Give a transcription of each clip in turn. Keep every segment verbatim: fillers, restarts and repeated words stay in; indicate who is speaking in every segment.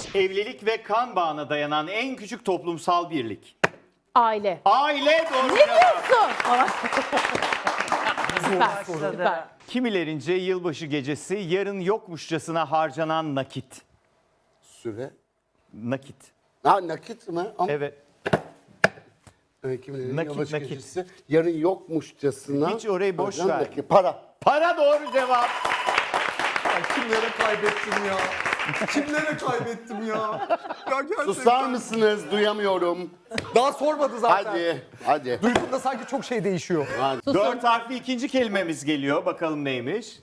Speaker 1: Evlilik ve kan bağına dayanan en küçük toplumsal birlik.
Speaker 2: Aile.
Speaker 1: Aile doğru
Speaker 2: Ne
Speaker 1: cevap.
Speaker 2: diyorsun? Süper, süper.
Speaker 1: Kimilerince yılbaşı gecesi yarın yokmuşçasına harcanan nakit.
Speaker 3: Süre.
Speaker 1: Nakit.
Speaker 3: Ha nakit mi? Ama
Speaker 1: Evet.
Speaker 3: evet, kimilerin
Speaker 1: Nakit,
Speaker 3: yılbaşı
Speaker 1: nakit.
Speaker 3: gecesi yarın yokmuşçasına.
Speaker 1: Hiç orayı boş
Speaker 3: harcanan
Speaker 1: ver.
Speaker 3: nakit. Para.
Speaker 1: Para doğru cevap.
Speaker 4: Ya kimlere kaybettim ya? Kimlere kaybettim ya? Ya gerçekten.
Speaker 3: Susar mısınız? Duyamıyorum.
Speaker 4: Daha sormadı zaten.
Speaker 3: Hadi. Hadi.
Speaker 4: Duyduğumda sanki çok şey değişiyor.
Speaker 3: Hadi.
Speaker 1: Dört harfli ikinci kelimemiz geliyor. Bakalım neymiş?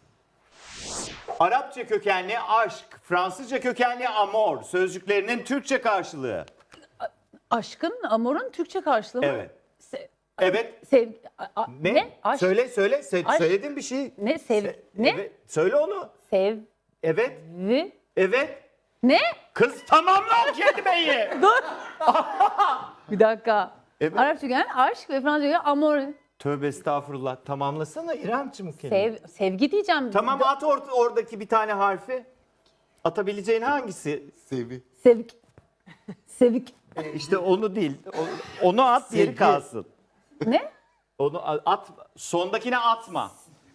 Speaker 1: Arapça kökenli aşk, Fransızca kökenli amor sözcüklerinin Türkçe karşılığı.
Speaker 2: Aşkın, amorun Türkçe karşılığı mı?
Speaker 1: Evet.
Speaker 2: Se-
Speaker 1: Evet.
Speaker 2: sev, a- a-
Speaker 1: Ne?
Speaker 2: ne? Aşk.
Speaker 1: Söyle söyle. Se-
Speaker 2: Aşk.
Speaker 1: Söyledin bir şey.
Speaker 2: Ne? Sev,
Speaker 1: Se-
Speaker 2: ne?
Speaker 1: Evet. Söyle onu.
Speaker 2: Sevvi.
Speaker 1: Evet. Evet.
Speaker 2: Ne?
Speaker 1: Kız tamamla o kelimeyi.
Speaker 2: Dur. Bir dakika.
Speaker 1: Evet.
Speaker 2: Arapça kökenli aşk ve Fransızca kökenli amor.
Speaker 1: Tövbe estağfurullah. Tamamlasana İremciğim o kelimeyi.
Speaker 2: Sev, sevgi diyeceğim.
Speaker 1: Tamam at or- oradaki bir tane harfi. Atabileceğin hangisi?
Speaker 3: Sevi.
Speaker 2: Sevk. Sevk.
Speaker 1: İşte onu değil. O- Onu at diğeri
Speaker 3: Sevgi.
Speaker 1: kalsın.
Speaker 2: Ne?
Speaker 1: Onu a- at. Sondakine atma.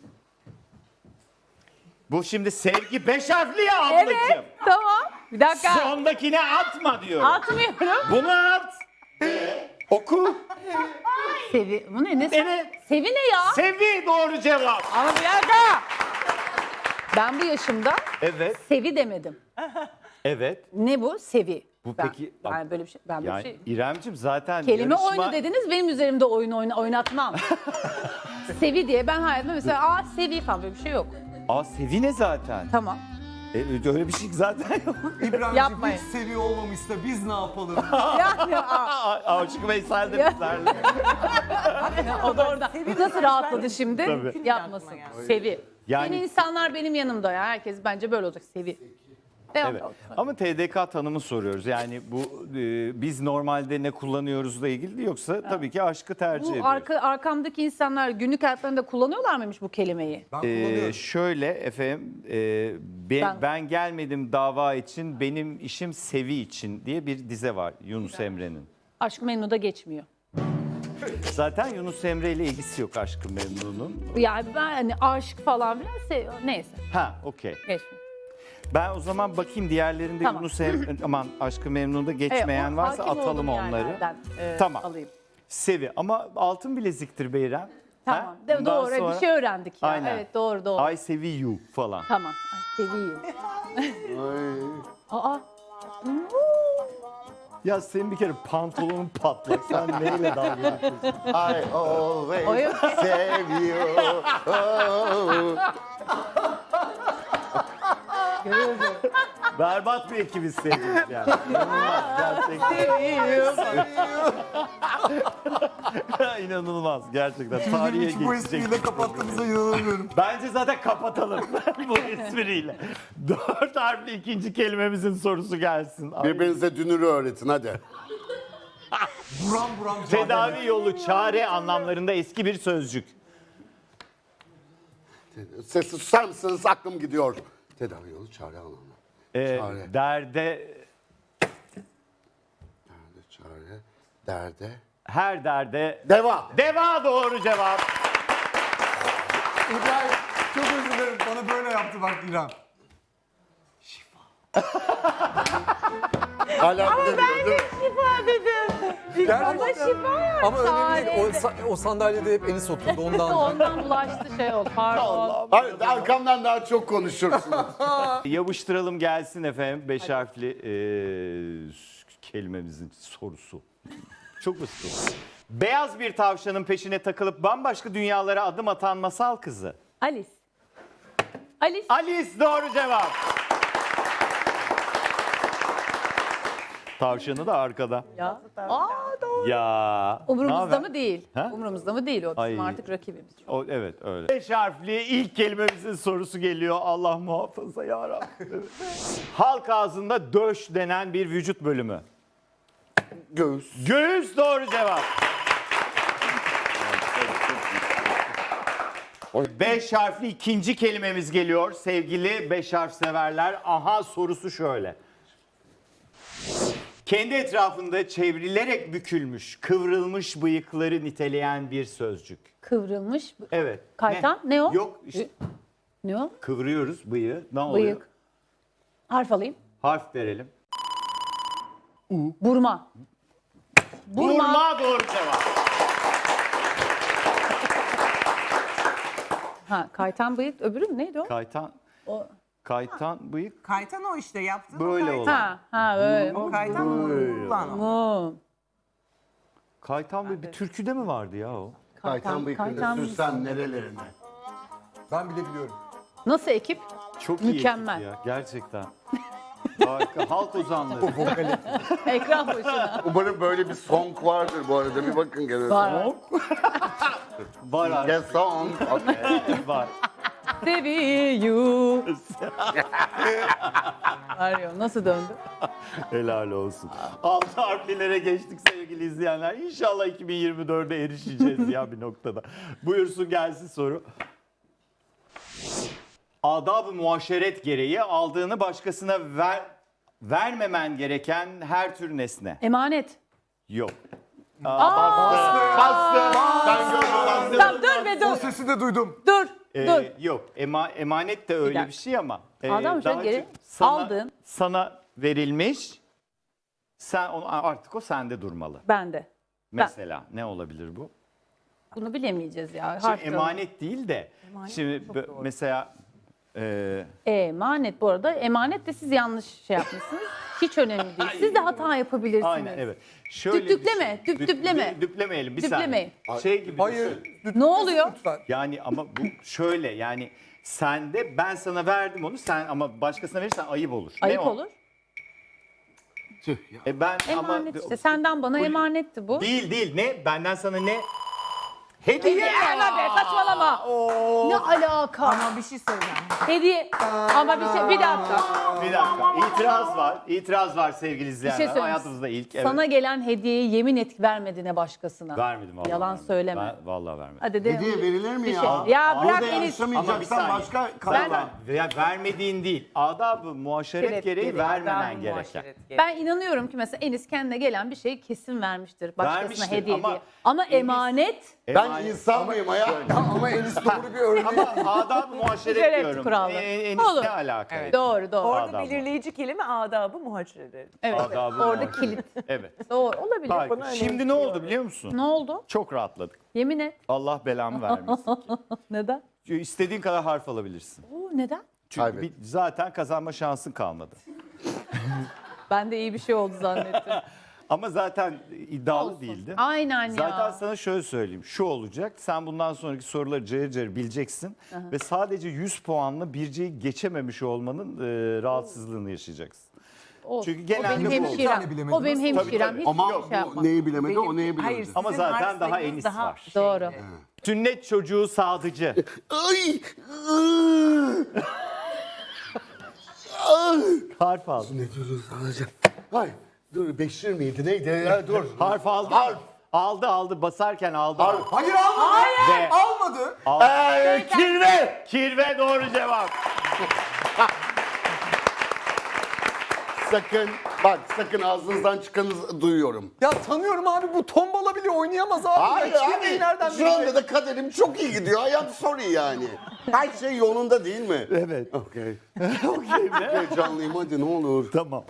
Speaker 1: Bu şimdi sevgi beş harfli ya ablacığım.
Speaker 2: Evet. Tamam. Bir dakika.
Speaker 1: Sondakine atma diyorum.
Speaker 2: Atmıyorum.
Speaker 1: Bunu at. Oku.
Speaker 2: Sevi. Bu ne? Ne?
Speaker 1: Evet.
Speaker 2: Sevi ne ya?
Speaker 1: Sevi doğru cevap.
Speaker 2: Ama bir dakika. Ben bu yaşımda
Speaker 1: Evet.
Speaker 2: sevi demedim.
Speaker 1: Evet.
Speaker 2: Ne bu? Sevi.
Speaker 1: Bu
Speaker 2: ben,
Speaker 1: peki-
Speaker 2: Ben böyle bir şey. Ben böyle bir
Speaker 1: Yani
Speaker 2: şey.
Speaker 1: İremciğim zaten
Speaker 2: Kelime
Speaker 1: yarışma...
Speaker 2: oyunu dediniz, benim üzerimde oyun oyna, oynatmam. Sevi diye ben hayatımda mesela aa sevi falan böyle bir şey yok.
Speaker 1: Aa Sevi ne zaten?
Speaker 2: Tamam.
Speaker 1: E, öyle bir şey zaten yok.
Speaker 4: İbrahim'ciğim
Speaker 2: Yapmayın.
Speaker 4: hiç seviyor olmamışsa biz ne yapalım?
Speaker 2: Yani aa,
Speaker 1: Aa, Aşık Veysel de
Speaker 2: Ya.
Speaker 1: bizlerle.
Speaker 2: o da orada. Nasıl rahatladı şimdi?
Speaker 1: Tabii.
Speaker 2: Yapmasın. Sevi.
Speaker 1: Yani-
Speaker 2: Yeni insanlar benim yanımda ya. Herkes bence böyle olacak. Sevi. Devam.
Speaker 1: Evet. Ama T D K tanımı soruyoruz. Yani bu e, biz normalde ne kullanıyoruzla ilgili değil, yoksa tabii ki aşkı tercih
Speaker 2: Bu
Speaker 1: ediyoruz.
Speaker 2: arka, arkamdaki insanlar günlük hayatlarında kullanıyorlar mıymış bu kelimeyi?
Speaker 4: Ben
Speaker 1: Ee,
Speaker 4: kullanıyorum.
Speaker 1: şöyle efendim, e, ben,
Speaker 2: Ben-
Speaker 1: ben gelmedim dava için, benim işim Sevi için diye bir dize var Yunus Emre'nin.
Speaker 2: Aşk Memnu'da geçmiyor.
Speaker 1: Zaten Yunus Emre ile ilgisi yok Aşk-ı Memnun'un.
Speaker 2: Yani ben hani aşk falan filan sev- neyse
Speaker 1: Ha, okey.
Speaker 2: geçmiyor.
Speaker 1: Ben o zaman bakayım diğerlerinde
Speaker 2: Tamam.
Speaker 1: Yunus Emre, aman Aşk-ı Memnun'da geçmeyen
Speaker 2: Evet, o
Speaker 1: varsa
Speaker 2: hakim
Speaker 1: atalım
Speaker 2: olduğum
Speaker 1: onları.
Speaker 2: yerlerden, e,
Speaker 1: Tamam.
Speaker 2: Alayım.
Speaker 1: Sevi ama altın bileziktir Beyrem.
Speaker 2: Tamam.
Speaker 1: Ha?
Speaker 2: De,
Speaker 1: Bundan
Speaker 2: doğru
Speaker 1: sonra-
Speaker 2: bir şey öğrendik ya.
Speaker 1: Aynen.
Speaker 2: Evet doğru doğru.
Speaker 1: I sevi you falan.
Speaker 2: Tamam. Ay seviyorum.
Speaker 3: Ay.
Speaker 2: Aa.
Speaker 1: Ya senin bir kere pantolonun patlak. Sen neyle dalga geçiyorsun?
Speaker 3: I always
Speaker 2: Oyun.
Speaker 3: save you. Oh.
Speaker 1: Berbat bir ekibiz sevgili yani. İnanılmaz gerçekten. İnanılmaz gerçekten. Tarihe
Speaker 4: Hiç bu
Speaker 1: geçecek.
Speaker 4: espriyle kapattığımıza inanamıyorum.
Speaker 1: Bence zaten kapatalım bu espriyle. Dört harfli ikinci kelimemizin sorusu gelsin. Ay.
Speaker 3: Birbirinize dünürü öğretin hadi.
Speaker 4: Buram buram mücadele.
Speaker 1: Tedavi yolu, çare anlamlarında eski bir sözcük.
Speaker 3: Sesi susar mısınız? Aklım gidiyor. Tedavi yolu çare anlamı.
Speaker 1: Ee,
Speaker 3: Çare.
Speaker 1: derde,
Speaker 3: Derde, çare, derde.
Speaker 1: her derde.
Speaker 3: Deva.
Speaker 1: Deva doğru cevap.
Speaker 4: İbrahim çok özür dilerim. Bana böyle yaptı bak İrem.
Speaker 3: Hala bilemiyor değil mi?
Speaker 2: Şifa dedim. Ama şifa ya.
Speaker 4: Ama önemli değil. O, sa- o sandalyede hep Enis oturdu ondan.
Speaker 2: Ondan bulaştı şey oldu. Pardon.
Speaker 3: Hayır, arkamdan daha çok konuşursunuz.
Speaker 1: Yapıştıralım gelsin efendim. Beş harfli eee, kelimemizin sorusu. Çok basit. Beyaz bir tavşanın peşine takılıp bambaşka dünyalara adım atan masal kızı.
Speaker 2: Alice. Alice.
Speaker 1: Alice doğru cevap. Tavşanı da arkada.
Speaker 2: Ya. Aa doğru.
Speaker 1: Ya.
Speaker 2: Umurumuzda
Speaker 1: naber?
Speaker 2: mı değil?
Speaker 1: Ha?
Speaker 2: Umurumuzda mı değil o? Bizim
Speaker 1: Ay.
Speaker 2: artık rakibimiz.
Speaker 1: O, evet öyle. Beş harfli ilk kelimemizin sorusu geliyor. Allah muhafaza ya Rabbim. Halk ağzında döş denen bir vücut bölümü.
Speaker 3: Göğüs.
Speaker 1: Göğüs doğru cevap. Beş harfli ikinci kelimemiz geliyor sevgili beş harf severler. Aha sorusu şöyle. Kendi etrafında çevrilerek bükülmüş, kıvrılmış bıyıkları niteleyen bir sözcük.
Speaker 2: Kıvrılmış.
Speaker 1: Evet.
Speaker 2: Kaytan, ne o?
Speaker 1: Yok işte
Speaker 2: Ne o?
Speaker 1: kıvırıyoruz bıyığı. Ne oluyor?
Speaker 2: Bıyık. Harf alayım.
Speaker 1: Harf verelim.
Speaker 2: Burma. Burma.
Speaker 1: Burma doğru cevap.
Speaker 2: Ha, kaytan bıyık öbürü mü? Neydi o?
Speaker 1: Kaytan,
Speaker 2: O-
Speaker 1: kaytan bıyık
Speaker 5: Kaytan o işte yaptığın
Speaker 1: böyle
Speaker 5: o kaytan.
Speaker 1: olan.
Speaker 2: Ha, ha öyle.
Speaker 5: O kaytan ulan o.
Speaker 2: Mu.
Speaker 1: Kaytan bıyık bir türküde mi vardı ya o?
Speaker 3: Kaytan bıyıkını
Speaker 2: kaytan-
Speaker 3: sürsen nerelerine.
Speaker 4: Ben bile biliyorum.
Speaker 2: Nasıl ekip?
Speaker 1: Çok iyi
Speaker 2: Mükemmel.
Speaker 1: ekip ya gerçekten. Harika. Halk ozanları.
Speaker 2: Ekran başına.
Speaker 3: Umarım böyle bir song vardır bu arada. Bir bakın gene.
Speaker 2: Var.
Speaker 1: Var artık.
Speaker 3: Yes song. Okay.
Speaker 1: Var.
Speaker 2: Seviyu. Arıyor. Nasıl döndü?
Speaker 1: Helal olsun. Altı harflilere geçtik sevgili izleyenler. İnşallah iki bin yirmi dörde erişeceğiz ya bir noktada. Buyursun gelsin soru. Adab-ı muaşeret gereği aldığını başkasına ver, vermemen gereken her tür nesne.
Speaker 2: Emanet.
Speaker 1: Yok.
Speaker 3: Bastı. Ben gördüm.
Speaker 2: Tamam dur be
Speaker 4: O
Speaker 2: dur.
Speaker 4: sesi de duydum.
Speaker 2: Dur.
Speaker 1: Ee,
Speaker 2: dur.
Speaker 1: Yok. Ema, emanet de öyle
Speaker 2: dakika.
Speaker 1: bir şey ama. e,
Speaker 2: Adab-ı muaşeret
Speaker 1: daha
Speaker 2: gereği
Speaker 1: çok sana,
Speaker 2: aldın.
Speaker 1: Sana verilmiş. Sen onu, artık o sende durmalı.
Speaker 2: Bende.
Speaker 1: Mesela ne olabilir bu?
Speaker 2: Bunu bilemeyeceğiz ya.
Speaker 1: Şimdi
Speaker 2: Harf
Speaker 1: emanet değil de
Speaker 5: Emanet
Speaker 1: şimdi
Speaker 5: çok
Speaker 1: bö-
Speaker 5: doğru.
Speaker 1: mesela e,
Speaker 2: Emanet bu arada. Emanet de siz yanlış şey yapmışsınız. Hiç önemli değil. Siz de hata yapabilirsiniz.
Speaker 1: aynen evet. Şöyle
Speaker 2: Düpleme,
Speaker 1: düşün. Dü-
Speaker 2: düpleme.
Speaker 1: dü- Düplemeyelim bir
Speaker 2: Düplemeyin.
Speaker 1: saniye. Şey gibi
Speaker 4: Hayır.
Speaker 1: düşün.
Speaker 2: Ne oluyor?
Speaker 4: Lütfen.
Speaker 1: Yani ama bu şöyle yani sende ben sana verdim onu sen ama başkasına verirsen ayıp olur. Ne
Speaker 2: Ayıp
Speaker 1: o?
Speaker 2: olur.
Speaker 3: Tüh ya.
Speaker 1: E ben
Speaker 2: Emanet
Speaker 1: ama
Speaker 2: işte. Senden bana emanetti bu.
Speaker 1: değil değil ne benden sana ne? Hediye.
Speaker 2: Verme be saçmalama. Ne alaka?
Speaker 5: Ama bir şey söyleyeceğim.
Speaker 2: Hediye. Ama bir şey bir dakika.
Speaker 1: Bir dakika. İtiraz var. İtiraz var sevgili
Speaker 2: Bir
Speaker 1: izleyenler.
Speaker 2: şey söyleyeyim.
Speaker 1: Hayatımızda ilk. Evet.
Speaker 2: Sana gelen hediyeyi yemin et vermediğine başkasına.
Speaker 1: Vermedim vallahi.
Speaker 2: Yalan
Speaker 1: vermedim.
Speaker 2: söyleme.
Speaker 1: Ben, vallahi vermedim.
Speaker 2: Hadi de.
Speaker 3: Hediye verilir mi
Speaker 2: Bir
Speaker 3: ya?
Speaker 2: şey- Ya
Speaker 3: Burada
Speaker 2: bırak Enis.
Speaker 1: Ama bir
Speaker 3: yarışamayacaksan
Speaker 1: saniye.
Speaker 3: başka
Speaker 1: Ben,
Speaker 3: karar.
Speaker 1: ya vermediğin değil. Adab-ı muaşeret
Speaker 2: Evet,
Speaker 1: gereği
Speaker 2: evet.
Speaker 1: vermemen
Speaker 5: Adab-ı
Speaker 1: gereken.
Speaker 5: muaşeret gereği.
Speaker 2: Ben inanıyorum ki mesela Enis kendine gelen bir şeyi kesin vermiştir. Başkasına
Speaker 1: Vermiştir
Speaker 2: hediye
Speaker 1: ama
Speaker 2: diye. Ama
Speaker 1: Enis-
Speaker 2: emanet
Speaker 3: Ben
Speaker 1: Emanet-
Speaker 3: insan mıyım hayat?
Speaker 4: Ama Enis doğru bir örnek.
Speaker 1: Ama adab-ı muaşeret
Speaker 2: Şeref
Speaker 1: diyorum.
Speaker 2: kuralı.
Speaker 1: E, Enis
Speaker 2: Olur.
Speaker 1: ne alaka?
Speaker 5: Evet.
Speaker 2: doğru doğru.
Speaker 5: Orada
Speaker 1: Adabı.
Speaker 5: belirleyici kelime adabı muhaçeret.
Speaker 2: Evet.
Speaker 1: Adab-ı
Speaker 2: Orada
Speaker 1: muaşeret.
Speaker 2: kilit.
Speaker 1: Evet.
Speaker 2: Doğru olabilir.
Speaker 1: Harika.
Speaker 5: Bana
Speaker 1: Şimdi
Speaker 5: öyle
Speaker 1: ne oldu biliyor musun?
Speaker 2: Ne oldu?
Speaker 1: Çok rahatladık.
Speaker 2: Yemin et.
Speaker 1: Allah belamı vermesin.
Speaker 2: Neden?
Speaker 1: İstediğin kadar harf alabilirsin.
Speaker 2: Oo, neden?
Speaker 1: Çünkü
Speaker 3: Kaybet.
Speaker 1: bir- zaten kazanma şansın kalmadı.
Speaker 2: Ben de iyi bir şey oldu zannettim.
Speaker 1: Ama zaten iddialı değildi.
Speaker 2: Aynen ya.
Speaker 1: Zaten sana şöyle söyleyeyim. Şu olacak. Sen bundan sonraki soruları cayır cayır bileceksin. Ve sadece yüz puanla Birce'yi geçememiş olmanın e, rahatsızlığını yaşayacaksın.
Speaker 2: Olsun.
Speaker 1: Çünkü genelde
Speaker 2: o benim
Speaker 1: bu
Speaker 4: Bir
Speaker 2: hemşirem.
Speaker 4: tane bilemediniz.
Speaker 2: O benim
Speaker 1: Tabii,
Speaker 2: hemşirem.
Speaker 1: tabii.
Speaker 2: Hiç
Speaker 3: Ama
Speaker 2: şey yapma.
Speaker 3: bu neyi bilemedi o neyi
Speaker 5: Hayır,
Speaker 3: bilemedi.
Speaker 1: Ama
Speaker 5: sizin
Speaker 1: zaten
Speaker 5: harf
Speaker 1: daha
Speaker 5: sayınız
Speaker 1: Enis
Speaker 5: daha
Speaker 1: var.
Speaker 5: şey.
Speaker 2: Doğru.
Speaker 1: Sünnet çocuğu sadıcı.
Speaker 3: Ay! ıı! Ay!
Speaker 1: Harf aldı.
Speaker 3: Ne diyorsun sadece? Ay dur Beşir miydi neydi ya dur.
Speaker 1: Harf aldı.
Speaker 3: Harf.
Speaker 1: Aldı aldı. Basarken aldı.
Speaker 3: Harf.
Speaker 4: Hayır almadı.
Speaker 1: Ve
Speaker 4: Almadı.
Speaker 3: Ay, kirve.
Speaker 1: kirve doğru cevap.
Speaker 3: Sakın bak sakın ağzınızdan çıkanı duyuyorum.
Speaker 4: Ya tanıyorum abi bu tombala bile oynayamaz abi.
Speaker 3: Hayır
Speaker 4: ya,
Speaker 3: abi
Speaker 4: kirveyi nereden
Speaker 3: şu anda
Speaker 4: bilecek?
Speaker 3: da kaderim çok iyi gidiyor. I am sorry yani. Her şey yolunda değil mi?
Speaker 1: Evet.
Speaker 3: Okey.
Speaker 1: Okey mi?
Speaker 3: Heyecanlıyım hadi ne olur.
Speaker 1: Tamam.